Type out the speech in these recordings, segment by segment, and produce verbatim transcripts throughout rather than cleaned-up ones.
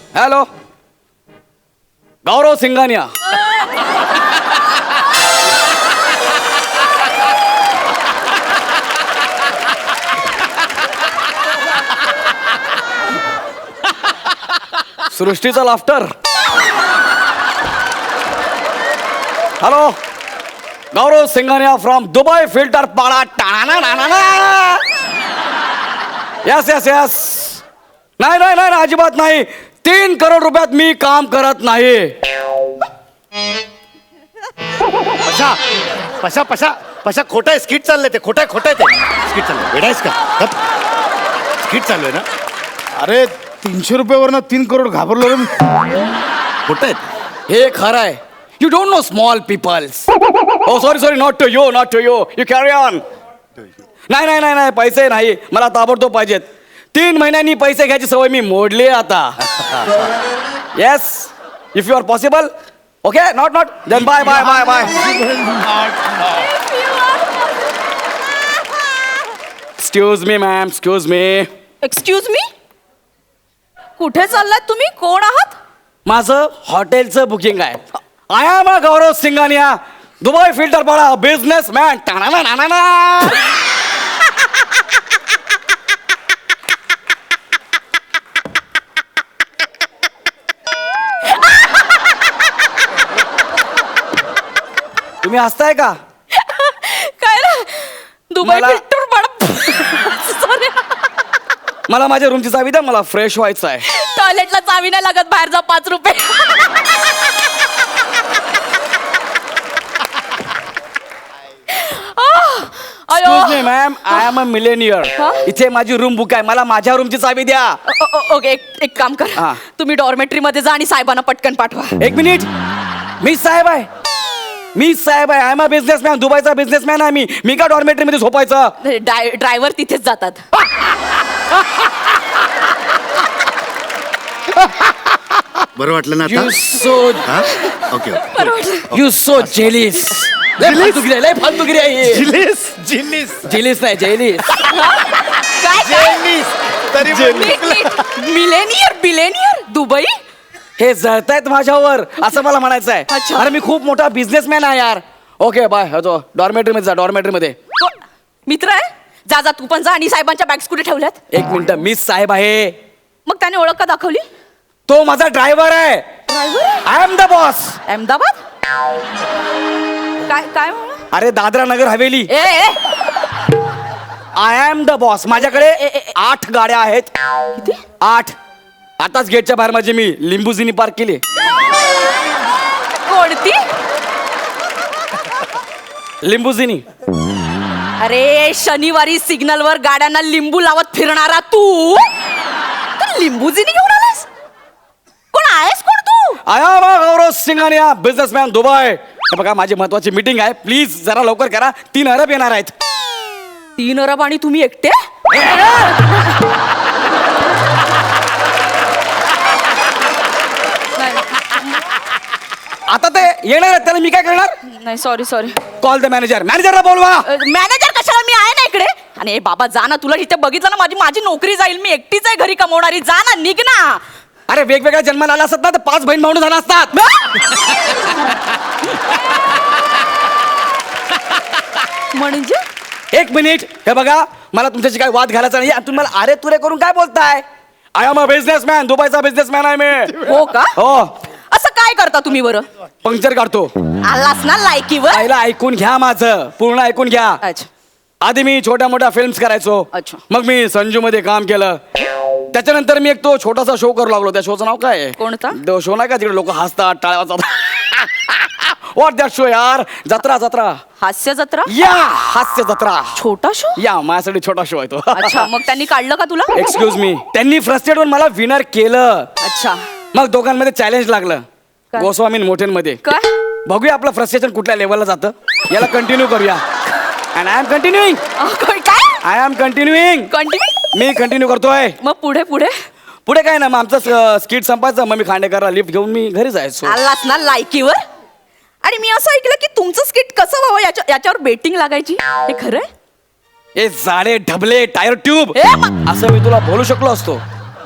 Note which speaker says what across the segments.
Speaker 1: Hello, Gaurav Singhania. सृष्टीचा laughter. Hello, Gaurav Singhania from Dubai Filter Pada. Yes yes yes. नाही नाही नाही अजिबात नाही. तीन करोड रुपयात मी काम करत नाही.
Speaker 2: पशा पशा पशा पशा खोटं आहे. स्किट चाललंय ते. खोटं आहे खोटं आहे ते. स्किट चाललंय. वेडायस का? स्किट चालू आहे ना.
Speaker 3: अरे तीनशे रुपयावरनं तीन करोड घाबरलो रे मी.
Speaker 2: खोटं आहे.
Speaker 1: हे खरं आहे. You don't know small peoples. Oh sorry sorry, not to you not to you you carry on. नाही नाही नाही नाही पैसे नाही, मला ताबडतोब पाहिजेत. तीन महिन्यांनी पैसे घ्यायची सवय मी मोडली आता. Yes, if you are possible. Okay, not not then bye bye bye bye. Excuse me ma'am, excuse me.
Speaker 4: Excuse me, कुठे चाललात तुम्ही? कोण आहात?
Speaker 1: माझं हॉटेलचं बुकिंग आहे. I am a Gaurav Singhania, Dubai Filter Pada, businessman. तुम्ही हसताय का?
Speaker 4: काय ना, दुबई
Speaker 1: मला-
Speaker 4: फिल्टर पाडा. Sorry.
Speaker 1: मला माझ्या रूमची चावी द्या, मला फ्रेश व्हायचं आहे.
Speaker 4: टॉयलेटला चावी नाही लागत, बाहेर जा, पाच रुपये.
Speaker 1: Excuse me ma'am, I am a millionaire.
Speaker 4: हा?
Speaker 1: इथे माझी रूम बुक आहे, मला माझ्या रूमची चावी द्या.
Speaker 4: ओके, एक काम कर,
Speaker 1: हा.
Speaker 4: तुम्ही डॉर्मेट्री मध्ये जा आणि साहेबांना पटकन पाठवा.
Speaker 1: एक मिनिट, मी साहेब आहे. मी साहेब आहे. I am a businessman. दुबईचा बिझनेसमॅन आहे मी. मी का डॉर्मेट्री मध्ये झोपायचं?
Speaker 4: ड्रायव्हर तिथेच जातात.
Speaker 2: बरं वाटलं ना
Speaker 1: यू
Speaker 2: आता?
Speaker 1: सो
Speaker 2: हा? Okay okay.
Speaker 4: बरं वाटलं.
Speaker 1: You so jealous. लय फालतूगिरी आहे, लय फालतूगिरी आहे.
Speaker 2: जिलिस जिलिस
Speaker 1: जेलिस नाही, जेलिस.
Speaker 4: काय काय?
Speaker 2: जिलिस तरी
Speaker 4: मिलेनियर बिलेनियर दुबई.
Speaker 1: हे जळतायत माझ्यावर असं मला म्हणायचं आहे.
Speaker 4: अच्छा.
Speaker 1: अरे मी खूप मोठा बिझनेसमॅन आहे यार. Okay bye. डॉर्मेट्री मध्ये जा, डॉर्मेट्री मध्ये.
Speaker 4: कोण? मित्र आहे? जा जा, तू पण जा. आणि साहेबांच्या बॅग्स कुठे ठेवल्यात?
Speaker 1: एक मिनिट, मी साहेब आहे.
Speaker 4: मग त्याने ओळख का दाखवली?
Speaker 1: तो माझा ड्रायव्हर आहे.
Speaker 4: Driver
Speaker 1: I am the boss.
Speaker 4: Ahmedabad. काय काय म्हणा?
Speaker 1: अरे दादरा नगर हवेली.
Speaker 4: ए ए
Speaker 1: आय एम द बॉस. माझ्याकडे
Speaker 4: ए, ए, ए.
Speaker 1: आठ गाड्या आहेत.
Speaker 4: किती?
Speaker 1: आठ. आताच गेटच्या बाहेर माझी मी लिंबुजिनी पार्क केली.
Speaker 4: कोणती?
Speaker 1: लिंबुजिनी.
Speaker 4: अरे शनिवारी सिग्नल वर गाड्यांना लिंबू लावत फिरणारा तू, तू लिंबूजिनी घेऊन आलास? कोण आहेस कोण तू?
Speaker 1: I am a Gaurav Singhania, businessman, Dubai. हे बघा, माझी महत्वाची मीटिंग आहे. प्लीज जरा लवकर करा. तीन अरब येणार आहेत.
Speaker 4: तीन अरब आणि तुम्ही एकटे?
Speaker 1: आता ते येणार आहेत, त्याला मी काय करणार?
Speaker 4: नाही, sorry sorry.
Speaker 1: Call the manager. मॅनेजरला बोलवा.
Speaker 4: मॅनेजर कशाला? मी आहे ना इकडे. आणि ए बाबा, जा ना. तुला इथे बघितलं ना, माझी माझी नोकरी जाईल. मी एकटीच आहे घरी कमवणारी. जा ना, निघ ना.
Speaker 1: अरे वेगवेगळ्या जन्माला आला असतात ना, तर पाच बहीण भावंड झाला असतात.
Speaker 4: म्हणजे
Speaker 1: एक मिनिट, हे बघा, मला तुमच्याशी काय वाद घालायचा नाही. आणि तुम्ही मला अरे तुरे करून काय बोलताय? आय एम अ बिझनेसमॅन, दुबईचा बिझनेसमॅन आहे मी.
Speaker 4: हो का?
Speaker 1: हो.
Speaker 4: असं काय करता तुम्ही बरं?
Speaker 1: पंक्चर काढतो.
Speaker 4: आलास ना लायकीवर?
Speaker 1: पहिला ऐकून घ्या माझं, पूर्ण ऐकून घ्या.
Speaker 4: अच्छा.
Speaker 1: आधी मी छोट्या मोठ्या फिल्म्स करायचो.
Speaker 4: अच्छा.
Speaker 1: मग मी संजू मध्ये काम केलं. त्याच्यानंतर मी एक तो छोटासा शो करू लागलो. त्या शोचं नाव काय आहे?
Speaker 4: कोणता?
Speaker 1: तो शो नाही का तिकडे लोक हसतात, टाळ्या वाजतात. व्हॉट दॅट शो यार? जत्रा जत्रा.
Speaker 4: हास्य जत्रा?
Speaker 1: या हास्य जत्रा.
Speaker 4: छोटा शो?
Speaker 1: या माझ्यासाठी छोटा शो आहे तो.
Speaker 4: अच्छा, मग त्यांनी काढलं का तुला?
Speaker 1: एक्सक्यूज मी, त्यांनी फ्रस्ट्रेट होऊन मला विनर केलं.
Speaker 4: अच्छा.
Speaker 1: मग दोघांमध्ये चॅलेंज लागलं.
Speaker 4: काय?
Speaker 1: गोस्वामी मोठ्यांमध्ये.
Speaker 4: काय?
Speaker 1: बघूया आपलं फ्रस्ट्रेशन कुठल्या लेवलला जातं. याला कंटिन्यू करूया. And I am continuing.
Speaker 4: अहो, काय?
Speaker 1: I am continuing.
Speaker 4: कंटिन्यू.
Speaker 1: मी कंटिन्यू करतोय.
Speaker 4: मग पुढे पुढे
Speaker 1: पुढे काय ना, मग आमचं स्किट संपायचं. मग मी खांडेकरला लिफ्ट घेऊन मी घरी जायचो.
Speaker 4: आलास ना लायकीवर? आणि मी असं ऐकलं की तुमचं स्किट कसं व्हावं याच्या याच्यावर बेटिंग लागायची. हे खरंय?
Speaker 1: ए जाडे ढबले टायर ट्यूब,
Speaker 4: ए, मा-
Speaker 1: असं मी तुला बोलू शकलो असतो.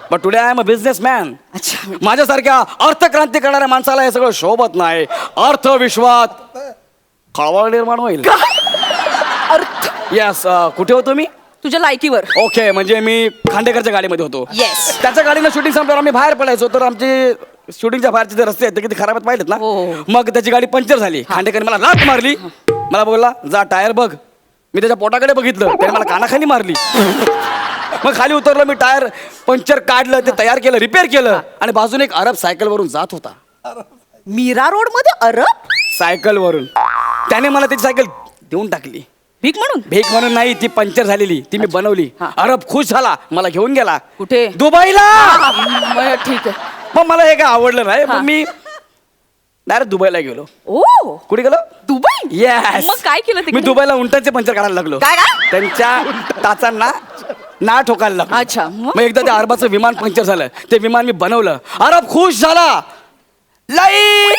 Speaker 1: But today I am a businessman.
Speaker 4: अच्छा
Speaker 1: माझ्यासारख्या अर्थक्रांती करणाऱ्या माणसाला हे सगळं शोभत नाही. अर्थविश्वात खळबळ निर्माण होईल.
Speaker 4: अर्थ
Speaker 1: येस, कुठे होतो मी?
Speaker 4: तुझ्या लायकीवर.
Speaker 1: ओके, म्हणजे मी खांडेकरच्या गाडीमध्ये होतो.
Speaker 4: Yes.
Speaker 1: त्याच्या गाडीनं शूटिंग संपल्यावर आम्ही बाहेर पडायचो, तर आमचे शूटिंगच्या बाहेरचे जे रस्ते आहेत ते किती खराब आहेत पाहिलेत ना.
Speaker 4: हो, हो.
Speaker 1: मग त्याची गाडी पंक्चर झाली. खांडेकरने मला लाथ मारली. मला बोलला जा टायर बघ. मी त्याच्या पोटाकडे बघितलं, त्याने मला कानाखाली मारली. मग खाली उतरलो मी, टायर पंक्चर काढलं, ते तयार केलं, रिपेअर केलं, आणि बाजूने एक अरब सायकलवरून जात होता.
Speaker 4: मीरा रोड मध्ये अरब
Speaker 1: सायकलवरून त्याने मला त्याची सायकल देऊन टाकली.
Speaker 4: भीक म्हणून.
Speaker 1: भेक म्हणून नाही, ती पंक्चर झालेली, ती मी बनवली.
Speaker 4: हा.
Speaker 1: अरब खुश झाला, मला घेऊन गेला.
Speaker 4: कुठे?
Speaker 1: दुबईला.
Speaker 4: हा, मग ठीक आहे.
Speaker 1: मग मला हे काय आवडलं नाही,
Speaker 4: हा.
Speaker 1: मग मी डायरेक्ट दुबईला गेलो.
Speaker 4: ओ
Speaker 1: कुठे गेलो?
Speaker 4: दुबई.
Speaker 1: येस.
Speaker 4: मग काय केलं
Speaker 1: मी
Speaker 4: तिकडे?
Speaker 1: दुबईला उंटाचे पंक्चर काढायला लागलो.
Speaker 4: काय काय?
Speaker 1: त्यांच्या टाचांना ना ठोकायला लागलो.
Speaker 4: अच्छा, मग?
Speaker 1: मग एकदा त्या अरबाचं विमान पंक्चर झालं, ते विमान मी बनवलं. अरब खुश झाला. लई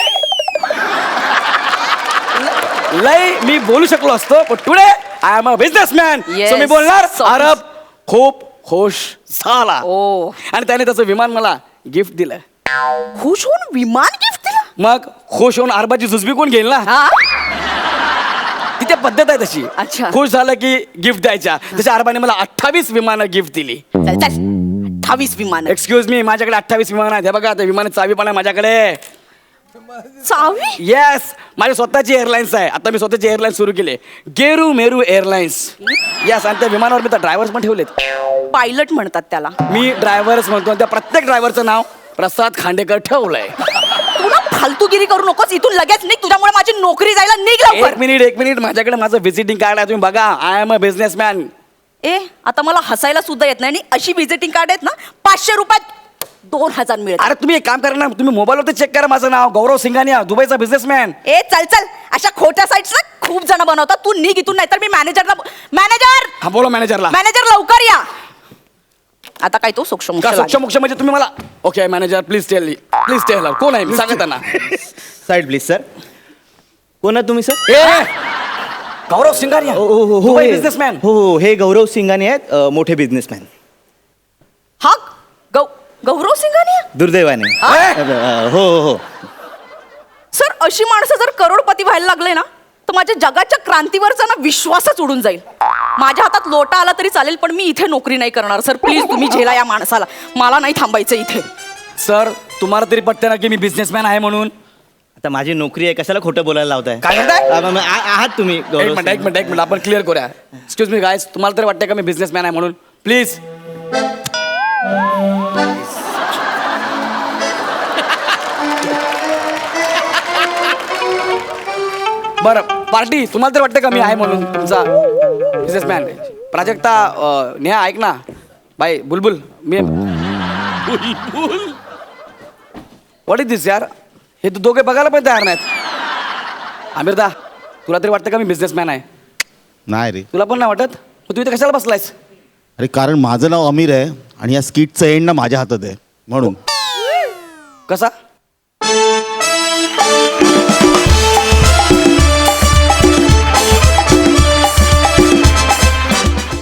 Speaker 1: लई मी बोलू शकलो असतो, पण today I am a businessman.
Speaker 4: Yes.
Speaker 1: So मी बोलणार
Speaker 4: So-
Speaker 1: अरब खूप खुश झाला.
Speaker 4: ओ.
Speaker 1: आणि त्याने त्याचं विमान मला गिफ्ट दिलं.
Speaker 4: खुश होऊन विमान गिफ्ट दिलं.
Speaker 1: मग खुश होऊन अरबाची जुजबी कोण घेईल ना.
Speaker 4: हा
Speaker 1: तिथे पद्धत आहे तशी.
Speaker 4: अच्छा.
Speaker 1: खुश झालं की गिफ्ट द्यायच्या. तशा अरबाने मला अठ्ठावीस विमानं गिफ्ट दिली.
Speaker 4: चल चल अठ्ठावीस विमान.
Speaker 1: एक्सक्यूज मी, माझ्याकडे अठ्ठावीस विमान आहेत. हे बघा, त्या विमानाची चावी पण आहे माझ्याकडे.
Speaker 4: चावी.
Speaker 1: येस, माझी स्वतःची एअरलाईन्स आहे. आता मी स्वतःची एअरलाईन्स सुरू केली, गेरू मेरू एअरलाईन्स. येस, आणि त्या विमानावर मी तर ड्रायव्हर्स पण ठेवलेत.
Speaker 4: पायलट म्हणतात त्याला.
Speaker 1: मी ड्रायव्हर्स म्हणतो, आणि त्या प्रत्येक ड्रायव्हरचं नाव प्रसाद खांडेकर ठेवलंय.
Speaker 4: तू ना फालतूगिरी करू नकोस इथून लगेच निघ. तुझ्यामुळे माझी नोकरी जायला निघ लवकर.
Speaker 1: एक मिनिट एक मिनिट माझ्याकडे माझं व्हिजिटिंग कार्ड आहे, तुम्ही बघा. I am a businessman.
Speaker 4: ए आता मला हसायला सुद्धा येत नाही, आणि अशी व्हिजिटिंग कार्ड आहेत ना पाचशे रुपयात दोन हजार मिळत.
Speaker 1: अरे तुम्ही एक काम करा ना, तुम्ही मोबाईलवरती चेक करा. माझं नाव गौरव सिंघानिया, दुबईचा बिझनेसमॅन.
Speaker 4: ए चल चल, अशा खोट्या साईट्स ना खूप जण बनवतात. तू निघ इथून, नाहीतर मी मॅनेजरला. मॅनेजर
Speaker 1: हा बोला मॅनेजरला.
Speaker 4: मॅनेजर लवकर या. आता काय तो सूक्ष्म
Speaker 1: का सूक्ष्म मोक्ष म्हणजे तुम्ही मला. Okay manager, please tell please tell कोण आहे मी सांगा त्यांना.
Speaker 2: Side please sir. कोण आहे तुम्ही सर?
Speaker 1: ए गौरव सिंघानिया,
Speaker 2: हो हो हो
Speaker 1: दुबई
Speaker 2: हे-
Speaker 1: बिझनेसमॅन.
Speaker 2: हो हो हे गौरव सिंगाने आहेत, अ, मोठे बिझनेसमॅन.
Speaker 4: हा गौ गौरव सिंघानिया.
Speaker 2: दुर्दैवाने.
Speaker 4: हा?
Speaker 2: अ, हो हो हो
Speaker 4: सर अशी माणसं जर करोडपती व्हायला लागले ना, तर माझ्या जगाच्या क्रांतीवरचा ना विश्वासच उडून जाईल. माझ्या हातात लोटा आला तरी चालेल, पण मी इथे नोकरी नाही करणार. सर प्लीज तुम्ही झेला या माणसाला. मला नाही थांबायचं इथे.
Speaker 1: सर तुम्हाला तरी पटते ना की मी बिझनेसमॅन आहे म्हणून.
Speaker 2: आता माझी नोकरी आहे, कशाला खोटं बोलायला लावताय?
Speaker 1: काय म्हणताय?
Speaker 2: आ- आ- आ- आहात तुम्ही
Speaker 1: एक
Speaker 2: गौरव
Speaker 1: मिनिट एक मिनिट एक मिनिट आपण क्लिअर करूया. एक्सक्यूज मी गायस, तुम्हाला तरी वाटतं का मी बिझनेसमॅन आहे म्हणून? प्लीज. बरं पार्टी, तुम्हाला तरी वाटतं का मी आहे म्हणून तुमचा बिझनेसमॅन? प्राजक्ता, अं, नेहा ऐक ना. बाई बुलबुल, मी व्हॉट इज दिस यार? हे तू दोघे बघायला पण तयार नाहीत. आमिरदा, तुला तरी वाटतं का मी बिझनेसमॅन आहे?
Speaker 3: नाही रे.
Speaker 1: तुला पण नाही वाटत? मग तू इथे कशाला बसलायस?
Speaker 3: अरे कारण माझं नाव अमीर आहे आणि या स्किटचं एंड ना माझ्या हातात आहे म्हणून.
Speaker 1: कसा?